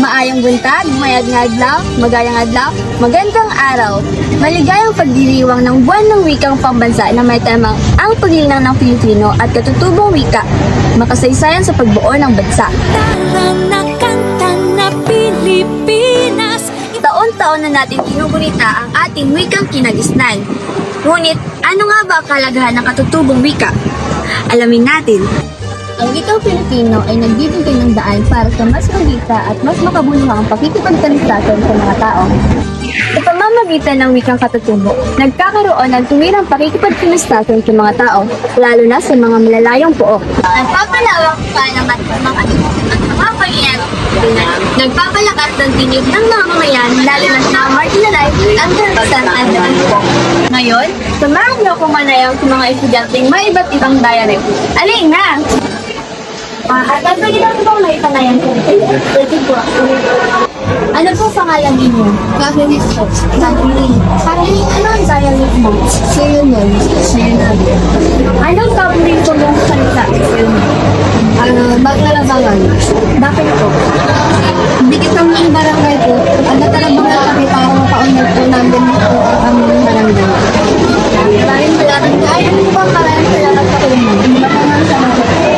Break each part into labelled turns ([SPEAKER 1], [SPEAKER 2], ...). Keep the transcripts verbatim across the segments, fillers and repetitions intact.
[SPEAKER 1] Maayong buntag, mayad nga adlaw, magayang adlaw, magandang araw. Maligayang pagdiriwang ng buwan ng wikang pambansa na may temang ang paglinang ng Pilipino at katutubong wika, makasaysayan sa pagbuo ng bansa.
[SPEAKER 2] Nakanta na Pilipinas.
[SPEAKER 1] Taon-taon na natin ginugunita ang ating wikang kinagisnan. Ngunit, ano nga ba ang kalagahan ng katutubong wika? Alamin natin. Ang wikang Pilipino ay nagbibigay ng daan para sa mas magita at mas makabuluhang pakikipagtalistasan sa mga tao. Sa pamamagitan ng wikang katutubo, nagkakaroon ng tuwirang pakikipagtalistasan sa mga tao, lalo na sa mga malalayong pook. Nagpapalawak pa naman ang mga mamamayan. Nagpapalakas ng tinig ng mga mamamayan, lalo na sa marginalized at karagsan at po. Ngayon, samahan niyo kung manayang sa mga estudyanteng may iba't ibang dialect. Alin na! At ang pwede lang po may panayan po. Pwede po. Ano po pangalan ninyo? Kathleen po. Kathleen. Kathleen, ano ang dialect mo? Sayunan. Sayunan. Anong paborito mong salita? Ano, maglalabangan. Bakit po? Dikit kami ng barangay po. Ano talagang kami para mapaunod po namin po ang aming barangay. Maraming salamat. Ay, ano po ang maraming salamat sa inyo? Maraming salamat.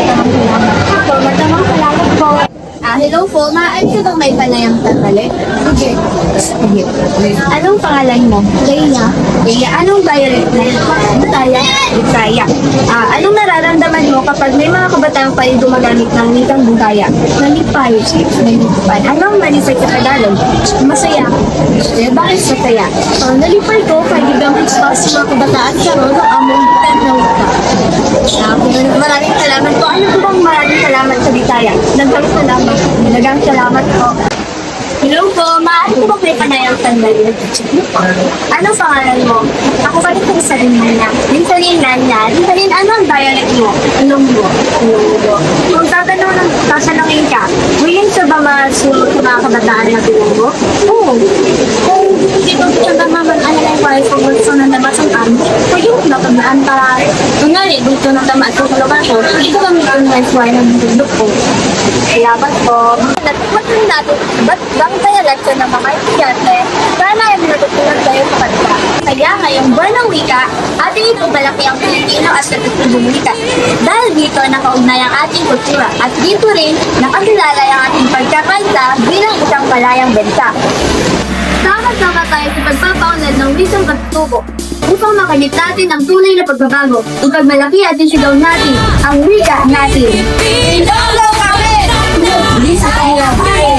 [SPEAKER 1] Maraming salamat po. Ah, hello po. Maaari ka bang may panayang tatali? Sige. Sige. Anong pangalan mo? Leia. Leia, anong dialect mo? Bisaya. Bisaya. Ah, anong nararamdaman mo kapag may mga kabataan pa rin gumagamit ng wikang Bisaya? Nalipay. Nalipay. Anong nalipay sa Tagalog? Masaya. Eh, bakit masaya? Ah, nalipay ko kay gigamit pa sa mga kabataan sa roon ng among wikang na wika. Ah, maraming salamat po. Ano po bang maraming salamat sa Bisaya? Nagkang salamat. Nagang salamat po. Hello po, maaari ko ba may panayang sandali? Ano pangalan mo? Ako pa rin kong sabihin na. Rinsalin na niya. Rinsalin, ano ang dialect mo? Ilonggo. Ilonggo. Kung tatanong ng tatanungin ka, willing ka ba masunod sa mga kabataan na Ilonggo? Oo. Kung hindi ko siya naman ano na yung wife ko gusto na nabasang kami, pwede ko na kamaan para kunwari, gusto na tamaan ko sa lugar ko, hindi ko kami kung wife ko ay nagdudok ko. Salamat po. Natikman natin, ba't bang dialect ng mga estudyante? Sana ay natutunan kayo sa kanila. Kaya ngayong buwan ng wika, ating ipagmalaki ang Pilipino at katutubong wika. Dahil dito nakaugnay ang ating kultura at dito rin nakakilala ang ating pagkakanta bilang isang palayang bansa. Sama-sama tayo sa pagpapaunlad ng wikang katutubo upang makamit natin ang tunay na pagbabago. Ipagmalaki at isigaw natin ang wika natin. Pilipino kami! Hindi sa kaya.